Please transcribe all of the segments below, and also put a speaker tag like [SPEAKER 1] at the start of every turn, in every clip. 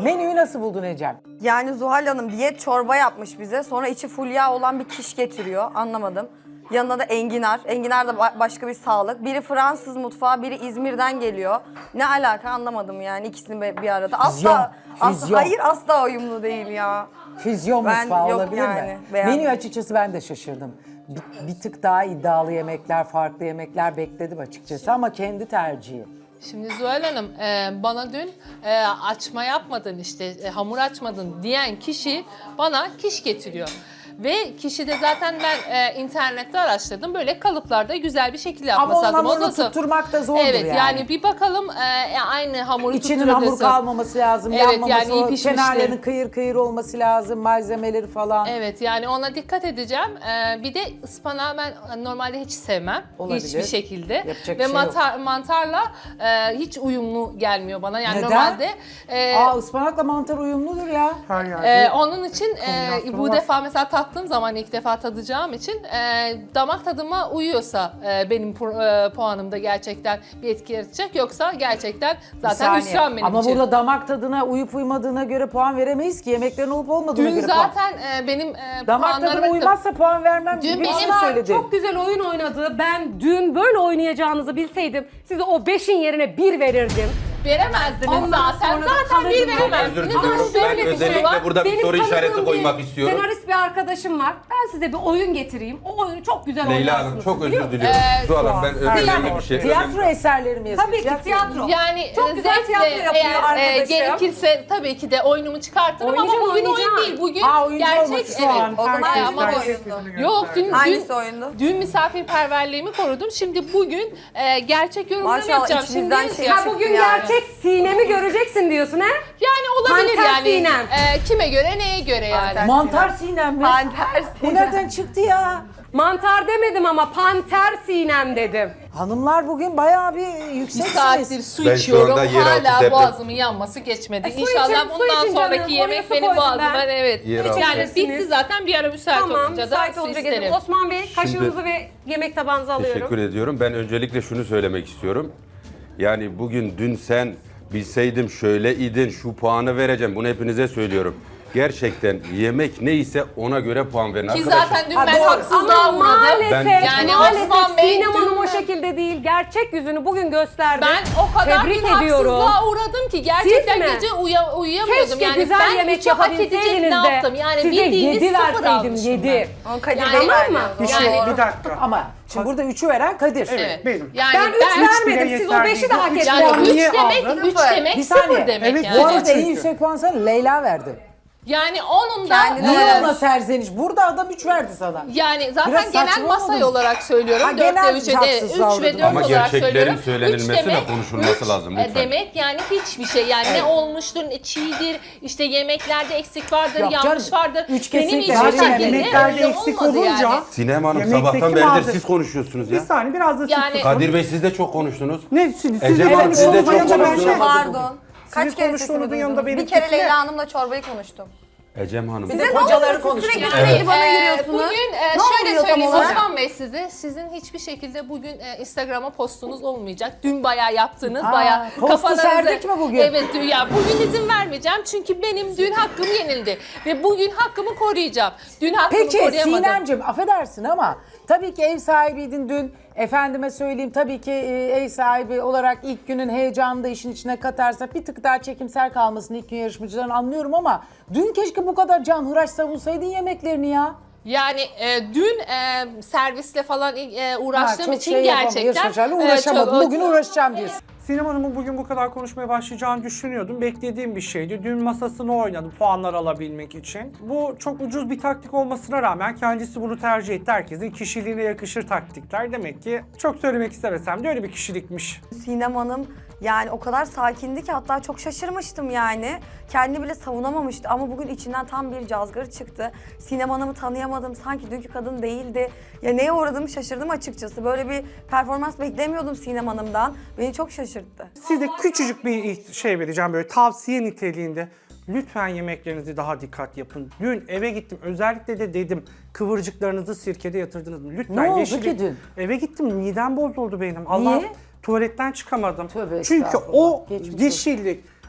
[SPEAKER 1] Menüyü nasıl buldun Ecem?
[SPEAKER 2] Yani Zuhal Hanım diyet çorba yapmış bize. Sonra içi full yağ olan bir kiş getiriyor. Anlamadım. Yanına da enginar. Enginar da başka bir sağlık. Biri Fransız mutfağı, biri İzmir'den geliyor. Ne alaka anlamadım yani ikisini bir arada.
[SPEAKER 1] Füzyon.
[SPEAKER 2] Hayır asla uyumlu değil ya.
[SPEAKER 1] Füzyon
[SPEAKER 2] Ben
[SPEAKER 1] mutfağı
[SPEAKER 2] yok
[SPEAKER 1] olabilir
[SPEAKER 2] yani,
[SPEAKER 1] mi?
[SPEAKER 2] beğenmedim.
[SPEAKER 1] Menü açıkçası ben de şaşırdım. Bir tık daha iddialı yemekler, farklı yemekler bekledim açıkçası ama kendi tercihi.
[SPEAKER 3] Şimdi Zuhal Hanım bana dün açma yapmadın işte hamur açmadın diyen kişi bana kiş getiriyor. Ve kişi de zaten ben internette araştırdım. Böyle kalıplarda güzel bir şekilde
[SPEAKER 1] Ama
[SPEAKER 3] yapması
[SPEAKER 1] onun
[SPEAKER 3] lazım.
[SPEAKER 1] hamurunu
[SPEAKER 3] Nasıl?
[SPEAKER 1] tutturmak da zordur
[SPEAKER 3] Evet
[SPEAKER 1] yani.
[SPEAKER 3] yani bir bakalım aynı hamuru
[SPEAKER 1] İçinin hamur
[SPEAKER 3] tutturabilirsin.
[SPEAKER 1] kalmaması lazım,
[SPEAKER 3] Evet,
[SPEAKER 1] yanmaması,
[SPEAKER 3] yani iyi pişmiştir.
[SPEAKER 1] kenarlarının kıyır kıyır olması lazım, malzemeleri falan.
[SPEAKER 3] Evet yani ona dikkat edeceğim. Bir de ıspanağı ben normalde hiç sevmem.
[SPEAKER 1] Olabilir.
[SPEAKER 3] Hiçbir şekilde.
[SPEAKER 1] Yapacak
[SPEAKER 3] Ve
[SPEAKER 1] bir şey yok.
[SPEAKER 3] mantarla hiç uyumlu gelmiyor bana. Yani
[SPEAKER 1] Neden?
[SPEAKER 3] normalde
[SPEAKER 1] Ispanakla mantar uyumludur ya.
[SPEAKER 4] Her yerde.
[SPEAKER 3] onun için
[SPEAKER 4] kombinasyonu
[SPEAKER 3] bu
[SPEAKER 4] var.
[SPEAKER 3] defa mesela tattığım zaman ilk defa tadacağım için damak tadıma uyuyorsa benim puanımda gerçekten bir etki yaratacak. Yoksa gerçekten
[SPEAKER 1] Bir
[SPEAKER 3] zaten
[SPEAKER 1] saniye.
[SPEAKER 3] hüsran benim
[SPEAKER 1] Ama
[SPEAKER 3] için.
[SPEAKER 1] burada damak tadına uyup uymadığına göre puan veremeyiz ki. Yemeklerin olup olmadığına
[SPEAKER 3] Dün
[SPEAKER 1] göre puan.
[SPEAKER 3] zaten benim
[SPEAKER 1] Damak tadına
[SPEAKER 3] puanlarım...
[SPEAKER 1] uymazsa puan vermem
[SPEAKER 3] Dün
[SPEAKER 1] gibi bir şey
[SPEAKER 3] benim-
[SPEAKER 1] söyledi.
[SPEAKER 5] Çok güzel oyun oynadı. Ben dün böyle oynayacağınızı bilseydim size o 5'in yerine 1 verirdim.
[SPEAKER 3] Veremezdiniz
[SPEAKER 5] Ondan
[SPEAKER 3] zaten.
[SPEAKER 5] sonra da
[SPEAKER 3] Zaten bir
[SPEAKER 5] kalırdım.
[SPEAKER 3] veremezdiniz.
[SPEAKER 6] Özür
[SPEAKER 3] Ama
[SPEAKER 6] diliyorum. Ben
[SPEAKER 3] şöyle bir şey
[SPEAKER 6] özellikle
[SPEAKER 3] var.
[SPEAKER 6] burada bir soru
[SPEAKER 5] tanıdığım
[SPEAKER 6] işareti
[SPEAKER 5] bir
[SPEAKER 6] koymak istiyorum.
[SPEAKER 5] Senarist bir arkadaşım var. Ben size bir oyun getireyim. O oyunu çok güzel
[SPEAKER 6] Leyla
[SPEAKER 5] oynarsınız.
[SPEAKER 6] Hanım çok
[SPEAKER 5] biliyor
[SPEAKER 6] özür
[SPEAKER 5] musunuz?
[SPEAKER 6] diliyorum. Zuhal Hanım ben önemli
[SPEAKER 4] zaman.
[SPEAKER 6] bir şey
[SPEAKER 1] Tiyatro eserleri mi yazıyor?
[SPEAKER 5] Tabii ki tiyatro.
[SPEAKER 3] Yani
[SPEAKER 5] Çok güzel tiyatro yapıyor
[SPEAKER 3] eğer
[SPEAKER 5] arkadaşım.
[SPEAKER 3] gerekirse tabii ki de oyunumu çıkartırım
[SPEAKER 5] Oynayacağım,
[SPEAKER 3] ama bugün
[SPEAKER 5] oynayacağım.
[SPEAKER 3] oyun değil. Bugün
[SPEAKER 1] Oyuncu olmak
[SPEAKER 3] gerçek
[SPEAKER 1] istiyor.
[SPEAKER 3] evet.
[SPEAKER 4] Şu an
[SPEAKER 2] O zaman
[SPEAKER 4] herkes
[SPEAKER 3] ama
[SPEAKER 4] gerçeklerini
[SPEAKER 3] Yok
[SPEAKER 4] gösterdi.
[SPEAKER 2] Hangisi oyundu?
[SPEAKER 3] dün misafirperverliğimi korudum. Şimdi bugün gerçek yorumlarımı
[SPEAKER 2] Maşallah,
[SPEAKER 3] yapacağım.
[SPEAKER 2] içinizden
[SPEAKER 3] Şimdi
[SPEAKER 2] şey
[SPEAKER 5] Ha
[SPEAKER 2] çıktı
[SPEAKER 5] bugün
[SPEAKER 2] yani.
[SPEAKER 5] gerçek Sinem'i göreceksin diyorsun ha?
[SPEAKER 3] yani olabilir
[SPEAKER 5] Panter
[SPEAKER 3] yani.
[SPEAKER 5] Sinem.
[SPEAKER 3] Kime göre neye göre yani.
[SPEAKER 2] Panter.
[SPEAKER 1] Mantar sinem mi?
[SPEAKER 2] Panter
[SPEAKER 1] Bu nereden çıktı ya?
[SPEAKER 5] Mantar demedim ama Panter Sinem dedim.
[SPEAKER 1] Hanımlar bugün bayağı bir
[SPEAKER 3] Bir
[SPEAKER 1] yükseksiniz.
[SPEAKER 3] saattir su
[SPEAKER 6] Ben şu
[SPEAKER 3] içiyorum.
[SPEAKER 6] anda yeraltı
[SPEAKER 3] Hala
[SPEAKER 6] deprem.
[SPEAKER 3] boğazımın yanması geçmedi.
[SPEAKER 5] su
[SPEAKER 3] İnşallah
[SPEAKER 5] için- su
[SPEAKER 3] bundan
[SPEAKER 5] için
[SPEAKER 3] sonraki
[SPEAKER 5] canım,
[SPEAKER 3] yemek
[SPEAKER 5] oraya su
[SPEAKER 3] benim
[SPEAKER 5] koydum
[SPEAKER 3] boğazıma
[SPEAKER 5] ben.
[SPEAKER 3] evet.
[SPEAKER 6] Yeraltı.
[SPEAKER 3] Yani bitti
[SPEAKER 5] İçebilirsiniz.
[SPEAKER 3] zaten bir ara müsait
[SPEAKER 5] Tamam,
[SPEAKER 3] olunca da
[SPEAKER 5] müsait
[SPEAKER 3] su
[SPEAKER 5] olunca
[SPEAKER 3] isterim.
[SPEAKER 5] gelin. Osman Bey kaşığınızı ve yemek tabağınızı alıyorum.
[SPEAKER 6] Teşekkür ediyorum. Ben öncelikle şunu söylemek istiyorum. Yani bugün dün sen bilseydim şöyle idin şu puanı vereceğim. Bunu hepinize söylüyorum. Gerçekten yemek neyse ona göre puan verin
[SPEAKER 3] Ki
[SPEAKER 6] arkadaşlar.
[SPEAKER 3] zaten dün
[SPEAKER 1] Ha,
[SPEAKER 3] ben
[SPEAKER 1] doğru.
[SPEAKER 3] haksızlığa
[SPEAKER 5] Ama
[SPEAKER 3] uğradım.
[SPEAKER 5] maalesef,
[SPEAKER 6] Ben-
[SPEAKER 3] Yani Osman Bey
[SPEAKER 5] Sinem Hanım
[SPEAKER 3] dün-
[SPEAKER 5] o şekilde değil. Gerçek yüzünü bugün gösterdi.
[SPEAKER 3] Ben o kadar
[SPEAKER 5] Tebrik
[SPEAKER 3] bir
[SPEAKER 5] ediyorum.
[SPEAKER 3] haksızlığa uğradım ki gerçekten
[SPEAKER 5] Siz mi?
[SPEAKER 3] gece uyuyamıyordum.
[SPEAKER 5] Keşke
[SPEAKER 3] Yani
[SPEAKER 5] güzel
[SPEAKER 3] ben
[SPEAKER 5] yemek
[SPEAKER 3] hiç hak edecek
[SPEAKER 5] yapabilseydiniz
[SPEAKER 3] ne
[SPEAKER 5] de
[SPEAKER 3] yaptım? Yani
[SPEAKER 5] size
[SPEAKER 3] bildiğiniz
[SPEAKER 5] 7
[SPEAKER 3] sıfır
[SPEAKER 5] verseydim,
[SPEAKER 3] almışım
[SPEAKER 5] 7.
[SPEAKER 2] Onu Kadir
[SPEAKER 3] Yani-
[SPEAKER 2] Bey
[SPEAKER 5] Tamam
[SPEAKER 2] verdi
[SPEAKER 5] mı?
[SPEAKER 2] o zaman.
[SPEAKER 3] Yani-
[SPEAKER 4] Bir dakika.
[SPEAKER 1] Ama şimdi burada 3'ü veren Kadir.
[SPEAKER 3] Evet.
[SPEAKER 4] Benim.
[SPEAKER 3] Yani
[SPEAKER 5] Ben 3 vermedim.
[SPEAKER 4] bile
[SPEAKER 5] Siz o
[SPEAKER 4] yeter
[SPEAKER 5] 5'i de
[SPEAKER 4] değil.
[SPEAKER 5] hak
[SPEAKER 4] Üç
[SPEAKER 5] ettiniz.
[SPEAKER 3] yani
[SPEAKER 4] puan
[SPEAKER 3] 3
[SPEAKER 4] niye
[SPEAKER 3] demek,
[SPEAKER 4] aldın?
[SPEAKER 3] 3 demek
[SPEAKER 1] Bir
[SPEAKER 3] 0
[SPEAKER 1] saniye.
[SPEAKER 3] demek
[SPEAKER 4] Evet,
[SPEAKER 3] yani.
[SPEAKER 1] Bu arada en
[SPEAKER 4] çünkü.
[SPEAKER 1] yüksek puan sana Leyla verdi.
[SPEAKER 3] Yani onun da
[SPEAKER 2] Kendine
[SPEAKER 1] Niye
[SPEAKER 2] Evet.
[SPEAKER 1] ona serzeniş? Burada adam 3 verdi sana.
[SPEAKER 3] yani zaten
[SPEAKER 1] Biraz
[SPEAKER 3] genel
[SPEAKER 1] saçma
[SPEAKER 3] masay
[SPEAKER 1] olmadı mı?
[SPEAKER 3] olarak söylüyorum.
[SPEAKER 1] Ha,
[SPEAKER 3] 4
[SPEAKER 1] genel
[SPEAKER 3] ve 3'e de
[SPEAKER 1] haksız
[SPEAKER 3] 3 ve
[SPEAKER 1] davranış.
[SPEAKER 3] 4
[SPEAKER 6] Ama
[SPEAKER 3] olarak
[SPEAKER 6] gerçeklerin
[SPEAKER 3] söylüyorum.
[SPEAKER 6] söylenilmesi
[SPEAKER 3] Üç
[SPEAKER 6] ve
[SPEAKER 3] demek-
[SPEAKER 6] konuşulması
[SPEAKER 3] üç,
[SPEAKER 6] lazım lütfen.
[SPEAKER 3] Demek yani hiçbir şey yani ne olmuştur, ne çiğdir, işte yemeklerde eksik vardır,
[SPEAKER 1] Yok
[SPEAKER 3] yanlış
[SPEAKER 1] canım,
[SPEAKER 3] vardır.
[SPEAKER 1] üç
[SPEAKER 3] Benim
[SPEAKER 1] kesinlikle
[SPEAKER 3] hiçbir
[SPEAKER 1] verilmedi.
[SPEAKER 3] şekilde
[SPEAKER 4] Yemeklerde
[SPEAKER 3] öyle
[SPEAKER 4] eksik
[SPEAKER 3] olmadı
[SPEAKER 4] olunca
[SPEAKER 3] yani.
[SPEAKER 6] Sinem Hanım
[SPEAKER 4] Yemekteki
[SPEAKER 6] sabahtan beridir
[SPEAKER 4] malzeme-
[SPEAKER 6] siz konuşuyorsunuz
[SPEAKER 4] Bir
[SPEAKER 6] ya.
[SPEAKER 4] saniye biraz da
[SPEAKER 3] Yani-
[SPEAKER 4] siz
[SPEAKER 6] Kadir Bey siz de çok konuştunuz.
[SPEAKER 4] Ne siz
[SPEAKER 6] Ecem Hanım, siz de çok konuştunuz.
[SPEAKER 2] Pardon. Kaç kere sesimi
[SPEAKER 4] konuştuğunuzun yanında
[SPEAKER 2] duydunuz?
[SPEAKER 4] benim
[SPEAKER 2] Bir kere
[SPEAKER 4] sesime-
[SPEAKER 2] Leyla Hanım'la çorbayı konuştum.
[SPEAKER 6] Ecem Hanım.
[SPEAKER 2] Size ne
[SPEAKER 1] kocaları
[SPEAKER 2] oluyor? Siz
[SPEAKER 1] konuştunuz.
[SPEAKER 2] sürekli
[SPEAKER 6] Evet.
[SPEAKER 2] sürekli bana giriyorsunuz.
[SPEAKER 3] Bugün
[SPEAKER 2] Ne
[SPEAKER 3] şöyle
[SPEAKER 2] oluyor tam
[SPEAKER 3] söyleyeyim
[SPEAKER 2] olarak?
[SPEAKER 3] Osman Bey size, sizin hiçbir şekilde bugün Instagram'a postunuz olmayacak. Dün bayağı yaptınız,
[SPEAKER 1] Aa,
[SPEAKER 3] bayağı
[SPEAKER 1] postu serdik mi bugün?
[SPEAKER 3] Evet, ya bugün izin vermeyeceğim çünkü benim dün hakkım yenildi ve bugün hakkımı koruyacağım. Dün hakkımı
[SPEAKER 1] Peki
[SPEAKER 3] koruyamadım.
[SPEAKER 1] Sinemciğim affedersin ama tabii ki ev sahibiydin dün. Efendime söyleyeyim tabii ki ev sahibi olarak ilk günün heyecanını da işin içine katarsak bir tık daha çekimser kalmasını ilk gün yarışmacıların anlıyorum ama dün keşke bu kadar canhıraş savunsaydın yemeklerini ya.
[SPEAKER 3] Yani dün servisle falan uğraştığım
[SPEAKER 1] çok
[SPEAKER 3] için
[SPEAKER 1] şey yapamam,
[SPEAKER 3] gerçekten
[SPEAKER 1] yarışmacılarla uğraşamadım.
[SPEAKER 3] çok-
[SPEAKER 1] Bugün uğraşacağım diyorsun.
[SPEAKER 4] Sinem Hanım'ın bugün bu kadar konuşmaya başlayacağını düşünüyordum. Beklediğim bir şeydi. Dün masasını oynadı puanlar alabilmek için. Bu çok ucuz bir taktik olmasına rağmen kendisi bunu tercih etti. Herkesin kişiliğine yakışır taktikler. Demek ki çok söylemek istemesem de öyle bir kişilikmiş.
[SPEAKER 2] Sinem Hanım yani o kadar sakindi ki hatta çok şaşırmıştım yani. Kendini bile savunamamıştı ama bugün içinden tam bir cazgır çıktı. Sinem Hanım'ı tanıyamadım, sanki dünkü kadın değildi. Ya neye uğradığımı şaşırdım açıkçası. Böyle bir performans beklemiyordum Sinem Hanım'dan. Beni çok şaşırttı.
[SPEAKER 4] Size küçücük bir şey vereceğim böyle tavsiye niteliğinde. Lütfen yemeklerinizi daha dikkat yapın. Dün eve gittim özellikle de dedim kıvırcıklarınızı sirkede yatırdınız mı? Lütfen
[SPEAKER 1] Ne oldu
[SPEAKER 4] yeşillik-
[SPEAKER 1] ki dün?
[SPEAKER 4] Eve gittim midem bozuldu benim.
[SPEAKER 1] Niye?
[SPEAKER 4] Allah tuvaletten çıkamadım.
[SPEAKER 1] Tövbe
[SPEAKER 4] Çünkü
[SPEAKER 1] estağfurullah.
[SPEAKER 4] o
[SPEAKER 1] Geçmiş olsun.
[SPEAKER 4] yeşillik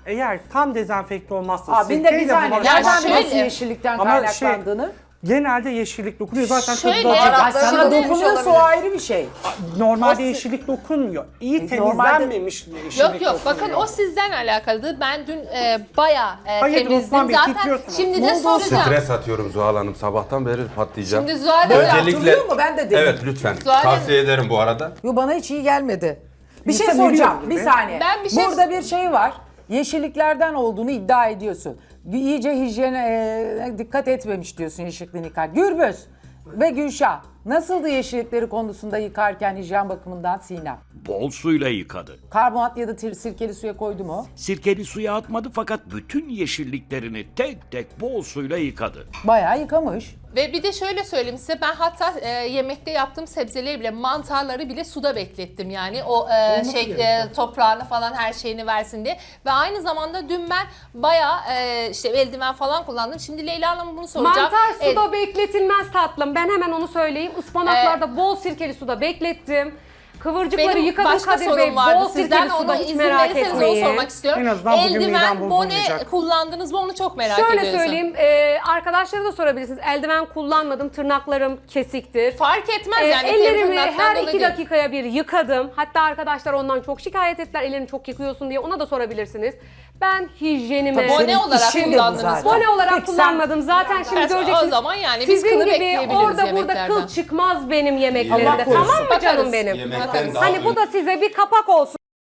[SPEAKER 4] eğer tam dezenfekte olmazsa
[SPEAKER 1] Abin de bir
[SPEAKER 4] sirkeyle
[SPEAKER 1] saniye.
[SPEAKER 4] bulaşan-
[SPEAKER 1] Nereden
[SPEAKER 3] şöyle-
[SPEAKER 1] biliyorsun yeşillikten
[SPEAKER 4] Ama
[SPEAKER 1] kaynaklandığını?
[SPEAKER 4] Genelde yeşillik dokunuyor. Zaten
[SPEAKER 3] Şöyle-
[SPEAKER 4] tadı da acı.
[SPEAKER 1] Ay, sana
[SPEAKER 3] Şimdi-
[SPEAKER 1] dokunuyorsa o ayrı bir şey.
[SPEAKER 4] Normalde yeşillik dokunmuyor. İyi
[SPEAKER 1] Normalde-
[SPEAKER 4] temizlenmemiş yeşillik
[SPEAKER 3] Yok
[SPEAKER 4] dokunuyor.
[SPEAKER 3] bakın o sizden alakalıdır. Ben dün bayağı
[SPEAKER 4] Hayır,
[SPEAKER 3] temizdim.
[SPEAKER 4] Osman Bey,
[SPEAKER 3] Zaten
[SPEAKER 4] titriyorsunuz.
[SPEAKER 3] şimdi
[SPEAKER 1] Ne
[SPEAKER 3] de
[SPEAKER 1] oldu?
[SPEAKER 3] soracağım.
[SPEAKER 6] Stres atıyorum Zuhal Hanım. Sabahtan beri patlayacağım.
[SPEAKER 3] Şimdi Zuhal Hanım-
[SPEAKER 1] Hatırlıyor mu? Ben de dedim.
[SPEAKER 6] Evet lütfen.
[SPEAKER 3] Zuhal Hanım-
[SPEAKER 6] Tavsiye ederim bu arada.
[SPEAKER 1] Yo, bana hiç iyi gelmedi. Bir şey
[SPEAKER 4] İnsan
[SPEAKER 1] soracağım.
[SPEAKER 4] ölüyor
[SPEAKER 1] Bir
[SPEAKER 4] gibi.
[SPEAKER 1] saniye.
[SPEAKER 3] Ben bir şey-
[SPEAKER 1] Burada bir şey var. Yeşilliklerden olduğunu iddia ediyorsun. İyice hijyene dikkat etmemiş diyorsun yeşilliklerini yıkar. Gürbüz ve Gülşah nasıldı yeşillikleri konusunda yıkarken hijyen bakımından Sinem?
[SPEAKER 7] Bol suyla yıkadı.
[SPEAKER 1] Karbonat ya da sirkeli suya koydu mu?
[SPEAKER 7] Sirkeli suya atmadı fakat bütün yeşilliklerini tek tek bol suyla yıkadı.
[SPEAKER 1] Bayağı yıkamış.
[SPEAKER 3] Ve bir de şöyle söyleyeyim size, ben hatta yemekte yaptığım sebzeleri bile, mantarları bile suda beklettim yani o toprağını falan her şeyini versin diye. Ve aynı zamanda dün ben bayağı işte eldiven falan kullandım. Şimdi Leyla Hanım'a bunu soracağım.
[SPEAKER 5] Mantar suda bekletilmez tatlım. Ben hemen onu söyleyeyim. Ispanaklarda bol sirkeli suda beklettim. Kıvırcıkları
[SPEAKER 3] Benim
[SPEAKER 5] yıkadım
[SPEAKER 3] başka
[SPEAKER 5] Kadir Bey.
[SPEAKER 3] sorum vardı
[SPEAKER 5] Bol
[SPEAKER 3] sizden,
[SPEAKER 5] sirkeli suda
[SPEAKER 3] onu
[SPEAKER 5] hiç
[SPEAKER 3] izin
[SPEAKER 5] merak
[SPEAKER 3] verirseniz onu
[SPEAKER 5] etmeyin.
[SPEAKER 3] sormak istiyorum.
[SPEAKER 4] En azından bugün midem
[SPEAKER 3] Eldiven, bone
[SPEAKER 4] bozulmayacak.
[SPEAKER 3] kullandınız mı onu çok merak
[SPEAKER 5] Şöyle
[SPEAKER 3] ediyorsun.
[SPEAKER 5] söyleyeyim, arkadaşlara da sorabilirsiniz. Eldiven kullanmadım, tırnaklarım kesiktir.
[SPEAKER 3] Fark etmez yani.
[SPEAKER 5] Ellerimi
[SPEAKER 3] tırnaktan
[SPEAKER 5] her
[SPEAKER 3] dolayı
[SPEAKER 5] 2
[SPEAKER 3] değil.
[SPEAKER 5] dakikaya bir yıkadım. Hatta arkadaşlar ondan çok şikayet ettiler. Ellerini çok yıkıyorsun diye. Ona da sorabilirsiniz. Ben hijyenime...
[SPEAKER 3] Bone
[SPEAKER 1] Senin
[SPEAKER 3] olarak
[SPEAKER 1] işin de bu
[SPEAKER 3] kullandınız.
[SPEAKER 1] zaten.
[SPEAKER 5] Bone olarak
[SPEAKER 1] Peki sen-
[SPEAKER 5] kullanmadım. Zaten şimdi
[SPEAKER 3] O
[SPEAKER 5] göreceksiniz.
[SPEAKER 3] zaman yani biz
[SPEAKER 5] Sizin
[SPEAKER 3] kılı
[SPEAKER 5] gibi
[SPEAKER 3] bekleyebiliriz
[SPEAKER 5] orada burada
[SPEAKER 3] yemeklerden.
[SPEAKER 5] kıl çıkmaz benim yemeklerimde.
[SPEAKER 1] Allah korusun.
[SPEAKER 5] Tamam mı canım
[SPEAKER 3] Bakarız.
[SPEAKER 5] benim?
[SPEAKER 6] Yemekten daha
[SPEAKER 5] Hani bu da size bir kapak olsun.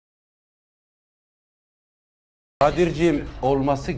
[SPEAKER 6] Kadir'ciğim olması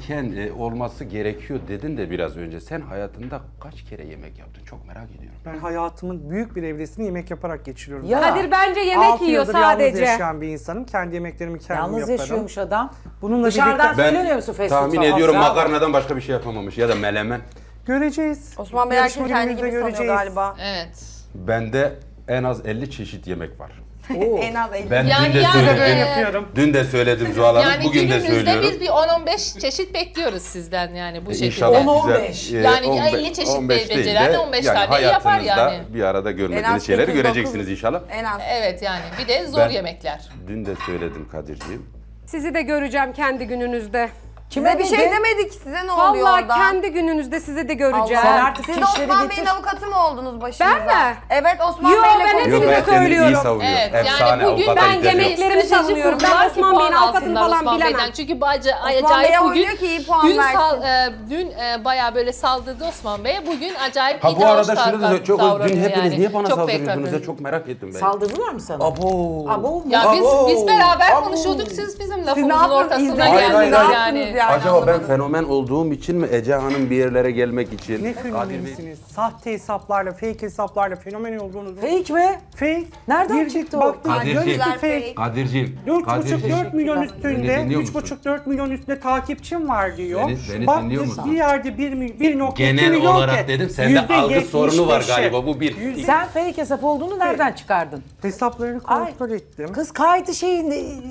[SPEAKER 6] gerekiyor dedin de biraz önce. Sen hayatında kaç kere yemek yaptın? Çok merak ediyorum.
[SPEAKER 4] Ben hayatımın büyük bir evresini yemek yaparak geçiriyorum.
[SPEAKER 1] Ya.
[SPEAKER 5] Kadir bence yemek
[SPEAKER 4] 6
[SPEAKER 5] yiyor
[SPEAKER 4] yıldır yalnız
[SPEAKER 5] sadece.
[SPEAKER 4] yaşayan bir insanım. Kendi yemeklerimi kendim
[SPEAKER 1] Yalnız
[SPEAKER 4] yaparım.
[SPEAKER 1] yaşıyormuş adam.
[SPEAKER 4] Bununla
[SPEAKER 1] Dışarıdan
[SPEAKER 4] birlikte-
[SPEAKER 1] söylemiyor musun fast food
[SPEAKER 6] tahmin
[SPEAKER 1] falan?
[SPEAKER 6] ediyorum
[SPEAKER 1] Bravo.
[SPEAKER 6] makarnadan başka bir şey yapamamış ya da melemen.
[SPEAKER 4] Göreceğiz.
[SPEAKER 2] Osman Bey herkes
[SPEAKER 4] Yarışma
[SPEAKER 2] kendi
[SPEAKER 4] günümüzde
[SPEAKER 2] gibi sanıyor
[SPEAKER 4] göreceğiz.
[SPEAKER 2] galiba.
[SPEAKER 3] Evet.
[SPEAKER 6] Bende en az 50 çeşit yemek var.
[SPEAKER 2] En az 50.
[SPEAKER 6] Ben
[SPEAKER 3] Yani
[SPEAKER 6] dün de
[SPEAKER 3] yani-
[SPEAKER 6] söyledim.
[SPEAKER 4] Ben yapıyorum.
[SPEAKER 6] Dün de söyledim Zuhal Hanım.
[SPEAKER 3] Yani
[SPEAKER 6] Bugün de
[SPEAKER 3] günümüzde
[SPEAKER 6] söylüyorum.
[SPEAKER 3] biz bir 10-15 çeşit bekliyoruz sizden yani bu şekilde.
[SPEAKER 6] İnşallah
[SPEAKER 1] 10-15.
[SPEAKER 6] güzel,
[SPEAKER 3] Yani
[SPEAKER 6] 15
[SPEAKER 3] 50 çeşit
[SPEAKER 6] 15 değil de
[SPEAKER 3] becerilerle 15 tane yapar
[SPEAKER 6] hayatınızda
[SPEAKER 3] yani.
[SPEAKER 6] bir arada
[SPEAKER 2] En
[SPEAKER 6] görmediğiniz
[SPEAKER 2] az
[SPEAKER 6] şeyleri
[SPEAKER 2] 8-9.
[SPEAKER 6] göreceksiniz inşallah.
[SPEAKER 2] En az.
[SPEAKER 3] Evet yani bir de zor
[SPEAKER 6] Ben-
[SPEAKER 3] yemekler.
[SPEAKER 6] Dün de söyledim Kadir'ciğim.
[SPEAKER 5] Sizi de göreceğim kendi gününüzde.
[SPEAKER 2] Size bir şey
[SPEAKER 1] dedi?
[SPEAKER 2] demedik. Size ne oluyor
[SPEAKER 5] Vallahi
[SPEAKER 2] orada?
[SPEAKER 5] kendi gününüzde sizi de göreceğim.
[SPEAKER 1] Sen artık
[SPEAKER 2] Siz de
[SPEAKER 1] kişileri
[SPEAKER 2] Osman
[SPEAKER 1] getir.
[SPEAKER 2] Bey'in avukatı mı oldunuz başınıza?
[SPEAKER 5] Ben mi?
[SPEAKER 2] Evet Osman
[SPEAKER 5] Yo,
[SPEAKER 2] Bey'le
[SPEAKER 5] ben
[SPEAKER 2] konuşuyoruz.
[SPEAKER 5] hepinize
[SPEAKER 6] Yok ben kendimi iyi
[SPEAKER 5] söylüyorum.
[SPEAKER 6] savunuyorum.
[SPEAKER 3] Evet, yani
[SPEAKER 6] Efsane
[SPEAKER 3] bugün
[SPEAKER 6] avukata
[SPEAKER 5] ben
[SPEAKER 6] ihtiyacım yok.
[SPEAKER 5] yemeklerimi savunuyorum. Ben
[SPEAKER 3] kurdular ki
[SPEAKER 5] Osman Bey'in
[SPEAKER 3] puan
[SPEAKER 5] avukatını
[SPEAKER 3] alsınlar
[SPEAKER 5] falan
[SPEAKER 3] Osman
[SPEAKER 5] bilemem.
[SPEAKER 3] Bey'den. Çünkü
[SPEAKER 2] Bey
[SPEAKER 3] acayip bugün
[SPEAKER 2] oynuyor ki iyi puan versin.
[SPEAKER 3] dün bayağı böyle saldırdı Osman Bey'e. Bugün acayip
[SPEAKER 6] Ha
[SPEAKER 3] iyi
[SPEAKER 6] bu arada
[SPEAKER 3] davranış
[SPEAKER 6] şunu da çok
[SPEAKER 3] davranıyor
[SPEAKER 6] dün hepiniz
[SPEAKER 3] yani.
[SPEAKER 6] niye bana
[SPEAKER 3] Çok
[SPEAKER 6] saldırıyorsunuz?
[SPEAKER 3] bekletmedim.
[SPEAKER 6] Çok merak ettim ben.
[SPEAKER 1] Saldırdılar mı sana?
[SPEAKER 6] Abo.
[SPEAKER 1] Abo mu?
[SPEAKER 3] Ya
[SPEAKER 6] Abo.
[SPEAKER 3] biz beraber
[SPEAKER 6] Abo.
[SPEAKER 3] konuşuyorduk, siz bizim
[SPEAKER 2] Siz ne
[SPEAKER 3] lafımızın
[SPEAKER 2] yaptınız?
[SPEAKER 3] ortasına
[SPEAKER 2] İzlediniz
[SPEAKER 6] Hayır,
[SPEAKER 2] mi?
[SPEAKER 6] hayır,
[SPEAKER 2] Ne
[SPEAKER 6] hayır.
[SPEAKER 2] yaptınız yani?
[SPEAKER 6] Acaba ben
[SPEAKER 2] Anlamadım.
[SPEAKER 6] fenomen olduğum için mi Ece Hanım bir yerlere gelmek için?
[SPEAKER 4] Ne
[SPEAKER 6] Kadir Bey-
[SPEAKER 4] fenomenisiniz? Sahte hesaplarla, fake hesaplarla fenomen olduğunuzu.
[SPEAKER 1] Fake mi?
[SPEAKER 4] Fake.
[SPEAKER 1] Nereden
[SPEAKER 4] Girdik,
[SPEAKER 1] çıktı o?
[SPEAKER 4] baktık,
[SPEAKER 6] Kadir'ciğim.
[SPEAKER 4] görüntü
[SPEAKER 2] Güzel
[SPEAKER 4] fake.
[SPEAKER 2] fake.
[SPEAKER 6] Kadir'ciğim.
[SPEAKER 4] 3,5-4 milyon
[SPEAKER 6] Beni
[SPEAKER 4] üstünde,
[SPEAKER 6] dinliyor musun?
[SPEAKER 4] 3,5-4 milyon üstünde takipçim var diyor.
[SPEAKER 6] Beni
[SPEAKER 4] Baktık
[SPEAKER 6] dinliyor musun?
[SPEAKER 4] bir yerde 1.2
[SPEAKER 6] Genel
[SPEAKER 4] milyon
[SPEAKER 6] olarak
[SPEAKER 4] ki,
[SPEAKER 6] dedim sende algı sorunu var
[SPEAKER 4] %75'i.
[SPEAKER 6] galiba bu bir.
[SPEAKER 1] Sen fake hesap olduğunu nereden çıkardın?
[SPEAKER 4] Hesaplarını
[SPEAKER 1] Ay.
[SPEAKER 4] kontrol ettim.
[SPEAKER 1] Kız kaydı şeyin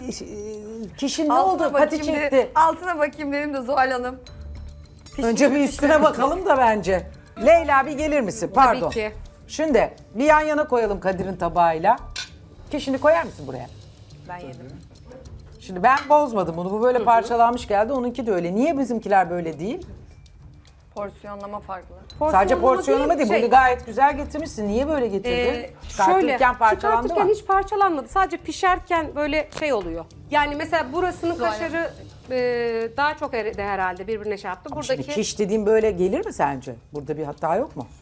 [SPEAKER 1] kişinin ne oldu? Pati
[SPEAKER 2] bakayım
[SPEAKER 1] çekti.
[SPEAKER 2] de- altına bakayım benim de Zuhal Hanım.
[SPEAKER 1] Önce bir üstüne bakalım da bence. Leyla bir gelir misin? Pardon.
[SPEAKER 5] ki.
[SPEAKER 1] Şimdi bir yan yana koyalım Kadir'in tabağıyla. Kişini koyar mısın buraya?
[SPEAKER 2] Ben yedim.
[SPEAKER 1] Şimdi ben bozmadım bunu. Bu böyle parçalanmış geldi. Onunki de öyle. Niye bizimkiler böyle değil?
[SPEAKER 2] Porsiyonlama farklı.
[SPEAKER 1] Sadece porsiyonlama değil.
[SPEAKER 5] şey,
[SPEAKER 1] Bunu gayet güzel getirmişsin. Niye böyle getirdin?
[SPEAKER 5] Şöyle,
[SPEAKER 1] Çıkartırken parçalandı
[SPEAKER 5] çıkartırken
[SPEAKER 1] mı?
[SPEAKER 5] hiç parçalanmadı. Sadece pişerken böyle şey oluyor. Yani mesela burasının kaşarı daha çok eridi herhalde birbirine şey yaptı.
[SPEAKER 1] Şimdi
[SPEAKER 5] Buradaki
[SPEAKER 1] kiş dediğim böyle gelir mi sence? Burada bir hata yok mu?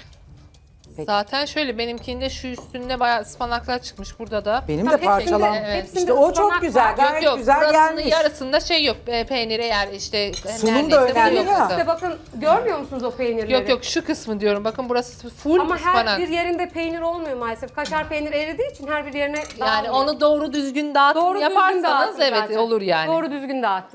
[SPEAKER 3] Zaten şöyle benimkinde şu üstünde bayağı ıspanaklar çıkmış burada da.
[SPEAKER 1] Benim
[SPEAKER 5] Tabii
[SPEAKER 1] de parçalan.
[SPEAKER 3] hepsinde-
[SPEAKER 5] hepsinde
[SPEAKER 1] İşte o çok
[SPEAKER 5] ıspanak
[SPEAKER 1] güzel.
[SPEAKER 5] var.
[SPEAKER 1] Gayet
[SPEAKER 3] Yok
[SPEAKER 1] güzel
[SPEAKER 3] burasının
[SPEAKER 1] gelmiş.
[SPEAKER 3] yarısında şey yok. Peynir eğer işte
[SPEAKER 1] Sunum da
[SPEAKER 3] neredeyse
[SPEAKER 1] önemli
[SPEAKER 3] yok
[SPEAKER 1] ya.
[SPEAKER 3] kızım.
[SPEAKER 5] işte bakın görmüyor musunuz o peynirleri?
[SPEAKER 3] Yok yok şu kısmı diyorum. Bakın burası full
[SPEAKER 5] Ama
[SPEAKER 3] ıspanak.
[SPEAKER 5] her bir yerinde peynir olmuyor maalesef. Kaşar peynir eridiği için her bir yerine
[SPEAKER 3] Yani
[SPEAKER 5] dağılmıyor.
[SPEAKER 3] onu doğru düzgün dağıtım
[SPEAKER 5] doğru düzgün
[SPEAKER 3] yaparsanız
[SPEAKER 5] dağıttım
[SPEAKER 3] evet
[SPEAKER 5] zaten.
[SPEAKER 3] olur yani.
[SPEAKER 5] Doğru düzgün dağıttım.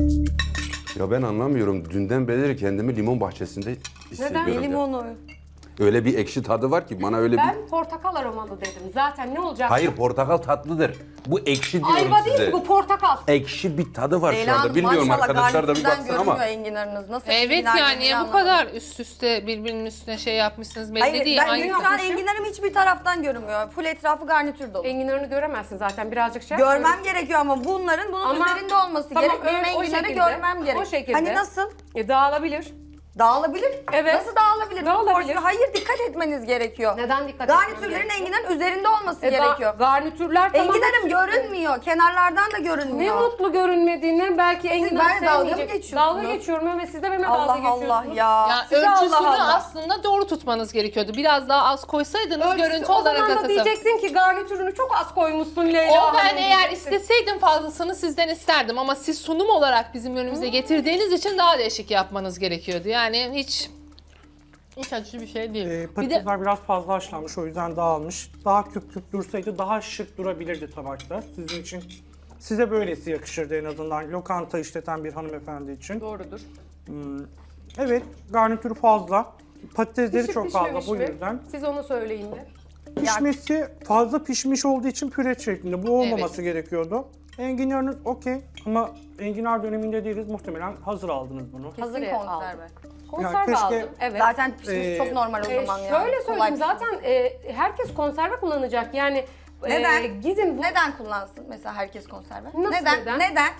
[SPEAKER 6] Ya ben anlamıyorum. Dünden beri kendimi limon bahçesinde hissediyorum.
[SPEAKER 2] Neden?
[SPEAKER 6] ya.
[SPEAKER 2] Limonu.
[SPEAKER 6] Öyle bir ekşi tadı var ki bana öyle bir...
[SPEAKER 5] Ben portakal aromalı dedim. Zaten ne olacak?
[SPEAKER 6] Hayır, portakal tatlıdır. Bu ekşi diyorum
[SPEAKER 5] Ayva
[SPEAKER 6] size.
[SPEAKER 5] değil bu portakal.
[SPEAKER 6] Ekşi bir tadı var şu
[SPEAKER 2] Leyla
[SPEAKER 6] anda.
[SPEAKER 2] Hanım,
[SPEAKER 6] Bilmiyorum,
[SPEAKER 2] maşallah
[SPEAKER 6] arkadaşlar da bir
[SPEAKER 2] garnitürden
[SPEAKER 6] baksın ama.
[SPEAKER 2] görünmüyor enginarınız. Nasıl
[SPEAKER 3] Evet
[SPEAKER 2] enginar
[SPEAKER 3] yani
[SPEAKER 2] yediğini
[SPEAKER 3] bu
[SPEAKER 2] anlamadım.
[SPEAKER 3] kadar üst üste birbirinin üstüne şey yapmışsınız belli
[SPEAKER 2] Hayır,
[SPEAKER 3] değil.
[SPEAKER 2] ben
[SPEAKER 3] Hangi-
[SPEAKER 2] şu an enginarım hiçbir taraftan görünmüyor. Full etrafı garnitür dolu.
[SPEAKER 5] Enginarını göremezsin zaten birazcık şey.
[SPEAKER 2] Görmem gerekiyor ama bunun
[SPEAKER 5] Ama-
[SPEAKER 2] üzerinde olması
[SPEAKER 5] Tamam,
[SPEAKER 2] gerek. Benim
[SPEAKER 5] öyle- o
[SPEAKER 2] enginarı
[SPEAKER 5] şekilde.
[SPEAKER 2] görmem gerek.
[SPEAKER 5] O şekilde.
[SPEAKER 2] Hani nasıl?
[SPEAKER 5] Dağılabilir.
[SPEAKER 2] Dağılabilir.
[SPEAKER 5] Evet.
[SPEAKER 2] Nasıl dağılabilir?
[SPEAKER 5] Dağılabilir.
[SPEAKER 2] Hayır, dikkat etmeniz gerekiyor.
[SPEAKER 5] Neden dikkat etmem
[SPEAKER 2] Garnitürlerin
[SPEAKER 5] gerekiyor?
[SPEAKER 2] enginarın üzerinde olması
[SPEAKER 5] Ga-
[SPEAKER 2] gerekiyor.
[SPEAKER 5] Garnitürler tamam.
[SPEAKER 2] Enginarım görünmüyor. Kenarlardan da
[SPEAKER 5] Ne
[SPEAKER 2] görünmüyor.
[SPEAKER 5] mutlu görünmediğine belki enginar
[SPEAKER 2] benimle dalga mı
[SPEAKER 5] sevmeyecek.
[SPEAKER 2] geçiyorsunuz?
[SPEAKER 5] Dalga geçiyorum ve siz de benimle dalga
[SPEAKER 2] Allah
[SPEAKER 5] geçiyorsunuz.
[SPEAKER 2] Allah ya.
[SPEAKER 3] Ya
[SPEAKER 2] Size
[SPEAKER 3] ölçüsünü
[SPEAKER 2] Allah Allah.
[SPEAKER 3] aslında doğru tutmanız gerekiyordu. Biraz daha az koysaydınız
[SPEAKER 5] Ölçüsü-
[SPEAKER 3] görüntü
[SPEAKER 5] o
[SPEAKER 3] olarak
[SPEAKER 5] zaman da
[SPEAKER 3] tasarım.
[SPEAKER 5] diyecektin ki garnitürünü çok az koymuşsun Leyla
[SPEAKER 3] O
[SPEAKER 5] Hanım
[SPEAKER 3] ben eğer
[SPEAKER 5] diyecektin.
[SPEAKER 3] isteseydim fazlasını sizden isterdim ama siz sunum olarak bizim önümüze getirdiğiniz için daha değişik yapmanız gerekiyordu. Yani hiç acı bir şey değil. Bir de
[SPEAKER 4] Patatesler biraz fazla haşlanmış, o yüzden dağılmış. Daha küp küp dursaydı daha şık durabilirdi tabakta sizin için. Size böylesi yakışırdı en azından, lokanta işleten bir hanımefendi için.
[SPEAKER 5] Doğrudur.
[SPEAKER 4] Evet, garnitürü fazla. Patatesleri
[SPEAKER 5] Pişip
[SPEAKER 4] çok fazla
[SPEAKER 5] pişmemiş
[SPEAKER 4] bu
[SPEAKER 5] mi?
[SPEAKER 4] yüzden.
[SPEAKER 5] Siz onu söyleyin de.
[SPEAKER 4] Pişmesi fazla pişmiş olduğu için püre şeklinde. Bu olmaması gerekiyordu. Enginarınız okey ama enginar döneminde değiliz. Muhtemelen hazır aldınız bunu.
[SPEAKER 2] Hazır
[SPEAKER 5] Kesinlikle
[SPEAKER 2] konserve.
[SPEAKER 5] Konserve
[SPEAKER 4] keşke-
[SPEAKER 5] aldım. Evet.
[SPEAKER 2] Zaten pişmiş çok normal o zaman ya.
[SPEAKER 5] Şöyle söyleyeyim,
[SPEAKER 2] Kolay
[SPEAKER 5] zaten herkes konserve kullanacak. Yani
[SPEAKER 2] Neden?
[SPEAKER 5] Gizim bu
[SPEAKER 2] Neden kullansın mesela herkes konserve?
[SPEAKER 5] Nasıl
[SPEAKER 2] Neden?
[SPEAKER 5] neden?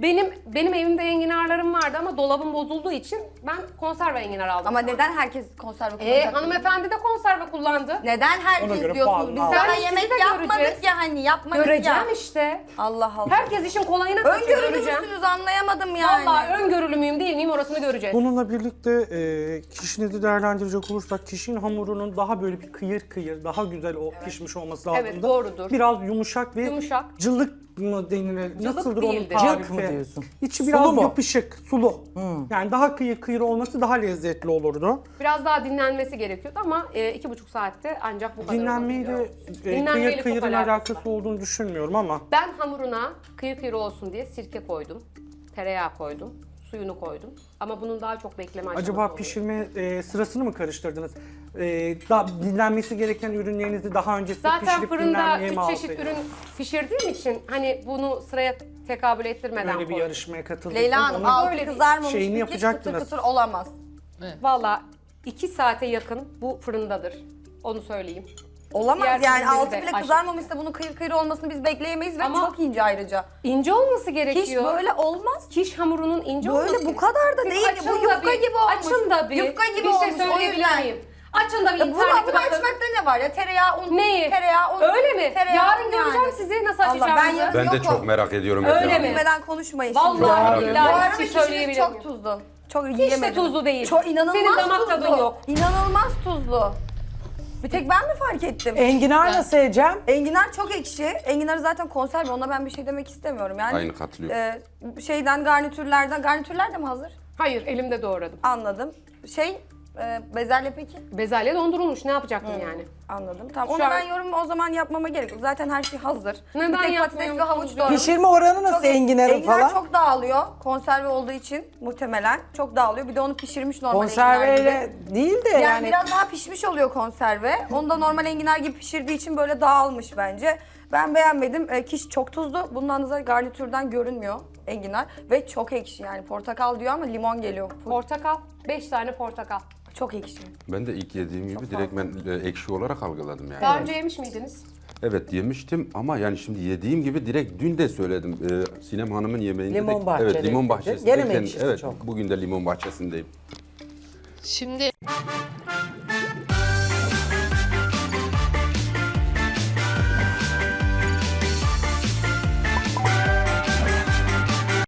[SPEAKER 5] benim evimde enginarlarım vardı ama dolabım bozulduğu için ben konserve enginar aldım.
[SPEAKER 2] Ama neden herkes konserve kullanacak?
[SPEAKER 5] Hanımefendi de konserve kullandı.
[SPEAKER 2] Neden
[SPEAKER 4] Ona
[SPEAKER 2] herkes
[SPEAKER 4] göre
[SPEAKER 2] diyorsunuz?
[SPEAKER 4] puanını
[SPEAKER 2] Biz
[SPEAKER 4] al.
[SPEAKER 2] daha
[SPEAKER 5] Yani
[SPEAKER 2] yemek
[SPEAKER 5] sizi de
[SPEAKER 2] yapmadık
[SPEAKER 5] göreceğiz.
[SPEAKER 2] ya, hani yapmadık
[SPEAKER 5] Göreceğim
[SPEAKER 2] ya.
[SPEAKER 5] işte.
[SPEAKER 2] Allah Allah.
[SPEAKER 5] Herkes işin kolayına kaçıyor,
[SPEAKER 2] Öngörülü
[SPEAKER 5] göreceğim.
[SPEAKER 2] müsünüz anlayamadım yani.
[SPEAKER 5] Vallahi öngörülü müyüm değil miyim orasını göreceğiz.
[SPEAKER 4] Bununla birlikte kişinizi değerlendirecek olursak kişinin hamurunun daha böyle bir kıyır kıyır, daha güzel pişmiş olması lazım.
[SPEAKER 5] Evet, doğrudur.
[SPEAKER 4] Biraz yumuşak ve
[SPEAKER 5] Yumuşak.
[SPEAKER 4] cılık mı denilir? Nasıldır onun
[SPEAKER 5] değildir.
[SPEAKER 4] tarifi?
[SPEAKER 1] Cılk mı diyorsun?
[SPEAKER 4] İçi
[SPEAKER 1] Sulu
[SPEAKER 4] biraz
[SPEAKER 1] mu?
[SPEAKER 4] yapışık, sulu. Yani daha kıyır kıyır olması daha lezzetli olurdu.
[SPEAKER 5] Biraz daha dinlenmesi gerekiyordu ama 2,5 saatte ancak bu kadar
[SPEAKER 4] Dinlenmeyle
[SPEAKER 5] olabiliyor.
[SPEAKER 4] kıyır
[SPEAKER 5] Dinlenmeyle çok
[SPEAKER 4] kıyırın
[SPEAKER 5] alakası
[SPEAKER 4] alakası
[SPEAKER 5] var.
[SPEAKER 4] olduğunu düşünmüyorum ama
[SPEAKER 5] Ben hamuruna kıyır kıyır olsun diye sirke koydum, tereyağı koydum, suyunu koydum. Ama bunun daha çok bekleme aşaması
[SPEAKER 4] acaba
[SPEAKER 5] oluyor.
[SPEAKER 4] pişirme sırasını mı karıştırdınız? Daha dinlenmesi gereken ürünlerinizi daha öncesinde
[SPEAKER 5] Zaten
[SPEAKER 4] pişirip
[SPEAKER 5] fırında
[SPEAKER 4] dinlenmeye
[SPEAKER 5] 3
[SPEAKER 4] mi
[SPEAKER 5] çeşit
[SPEAKER 4] alsaydınız?
[SPEAKER 5] ürün pişirdiğim için hani bunu sıraya tekabül ettirmeden
[SPEAKER 4] Böyle bir
[SPEAKER 5] koydum.
[SPEAKER 4] yarışmaya katıldıysanız
[SPEAKER 2] Leyla Hanım
[SPEAKER 4] onun
[SPEAKER 2] altı
[SPEAKER 5] Öyle
[SPEAKER 2] kızarmamış
[SPEAKER 4] şeyini
[SPEAKER 2] bir kıtır
[SPEAKER 4] yapacaktınız.
[SPEAKER 2] kıtır olamaz.
[SPEAKER 5] Valla 2 saate yakın bu fırındadır. Onu söyleyeyim.
[SPEAKER 2] Olamaz
[SPEAKER 5] Diğer
[SPEAKER 2] yani,
[SPEAKER 5] ürünleri
[SPEAKER 2] altı
[SPEAKER 5] de
[SPEAKER 2] bile
[SPEAKER 5] aşağı-
[SPEAKER 2] kızarmamışsa bunun kıyır kıyır olmasını biz bekleyemeyiz ve
[SPEAKER 5] Ama-
[SPEAKER 2] çok ince ayrıca.
[SPEAKER 5] İnce olması
[SPEAKER 2] Hiç
[SPEAKER 5] gerekiyor.
[SPEAKER 2] böyle olmaz.
[SPEAKER 5] Kiş hamurunun ince olması
[SPEAKER 2] Böyle bu kadar da
[SPEAKER 5] Siz
[SPEAKER 2] değil.
[SPEAKER 5] açın
[SPEAKER 2] Bu
[SPEAKER 5] da
[SPEAKER 2] yufka
[SPEAKER 5] bir-
[SPEAKER 2] gibi olmuş.
[SPEAKER 5] Açın da bir.
[SPEAKER 2] Yufka gibi
[SPEAKER 5] bir şey
[SPEAKER 2] olmuş, o
[SPEAKER 5] söyleyebilir
[SPEAKER 2] yüzden.
[SPEAKER 5] miyim? Açın da bir
[SPEAKER 2] Ya
[SPEAKER 5] internete
[SPEAKER 2] bunu
[SPEAKER 5] bakın.
[SPEAKER 2] açmakta ne var ya? Tereyağı, un,
[SPEAKER 5] Neyi?
[SPEAKER 2] tereyağı, un.
[SPEAKER 5] Öyle mi?
[SPEAKER 2] Tereyağı,
[SPEAKER 5] Yarın
[SPEAKER 2] un
[SPEAKER 5] göreceğim
[SPEAKER 2] yani.
[SPEAKER 5] sizi nasıl
[SPEAKER 2] Allah,
[SPEAKER 5] açacağınızı.
[SPEAKER 2] ben yarın-
[SPEAKER 6] Ben de
[SPEAKER 2] Yok
[SPEAKER 6] çok
[SPEAKER 2] o.
[SPEAKER 6] merak ediyorum.
[SPEAKER 5] Öyle
[SPEAKER 6] Efendim.
[SPEAKER 5] mi?
[SPEAKER 2] Bilmeden konuşmayın şimdi.
[SPEAKER 5] Vallahi
[SPEAKER 6] Merak
[SPEAKER 5] billahi
[SPEAKER 2] Bu
[SPEAKER 5] bir
[SPEAKER 2] arada
[SPEAKER 5] şey
[SPEAKER 2] kişiniz
[SPEAKER 5] söyleyebilir
[SPEAKER 2] çok
[SPEAKER 5] miyim?
[SPEAKER 2] tuzlu. Çok
[SPEAKER 5] Hiç de
[SPEAKER 2] yiyemedim.
[SPEAKER 5] tuzlu değil.
[SPEAKER 2] Çok inanılmaz
[SPEAKER 5] Senin damak
[SPEAKER 2] tuzlu.
[SPEAKER 5] tadın yok.
[SPEAKER 2] İnanılmaz tuzlu. Bir tek ben mi fark ettim?
[SPEAKER 1] Enginar nasıl Ecem?
[SPEAKER 2] Enginar çok ekşi. Enginarı zaten konserve. Ona ben bir şey demek istemiyorum. Yani
[SPEAKER 6] Aynı katılıyorum.
[SPEAKER 2] garnitürler de mi hazır?
[SPEAKER 5] Hayır, elimde doğradım.
[SPEAKER 2] Anladım. Bezelye peki?
[SPEAKER 5] Bezelye dondurulmuş. Ne yapacaktım yani?
[SPEAKER 2] Anladım. Tamam.
[SPEAKER 5] Şu
[SPEAKER 2] Onu
[SPEAKER 5] an-
[SPEAKER 2] ben yorum o zaman yapmama gerek yok. Zaten her şey hazır.
[SPEAKER 5] Neden
[SPEAKER 2] Bir tek patates ve
[SPEAKER 5] yapmıyorsunuz
[SPEAKER 2] havuç
[SPEAKER 5] ya?
[SPEAKER 2] doğradım.
[SPEAKER 1] Pişirme oranı nasıl enginarın
[SPEAKER 2] Enginar
[SPEAKER 1] falan?
[SPEAKER 2] çok dağılıyor. Konserve olduğu için muhtemelen çok dağılıyor. Bir de onu pişirmiş normal enginar
[SPEAKER 1] Konserveyle
[SPEAKER 2] gibi.
[SPEAKER 1] değil de
[SPEAKER 2] Yani,
[SPEAKER 1] yani
[SPEAKER 2] biraz daha pişmiş oluyor konserve. Onu da normal enginar gibi pişirdiği için böyle dağılmış bence. Ben beğenmedim. Kiş çok tuzlu. Bundan da garnitürden görünmüyor enginar. Ve çok ekşi yani. Portakal diyor ama limon geliyor.
[SPEAKER 5] Portakal. 5 tane portakal.
[SPEAKER 2] Çok ekşi.
[SPEAKER 6] Ben de ilk yediğim gibi direkt ben ekşi olarak algıladım yani.
[SPEAKER 5] Daha önce yemiş miydiniz?
[SPEAKER 6] Evet yemiştim ama yani şimdi yediğim gibi direkt dün de söyledim. Sinem Hanım'ın yemeğinde
[SPEAKER 1] Limon
[SPEAKER 6] de,
[SPEAKER 1] bahçede
[SPEAKER 6] evet limon
[SPEAKER 1] dedi.
[SPEAKER 6] bahçesindeyken
[SPEAKER 1] Gene mi ekşisi
[SPEAKER 6] evet
[SPEAKER 1] çok?
[SPEAKER 6] bugün de limon bahçesindeyim.
[SPEAKER 3] Şimdi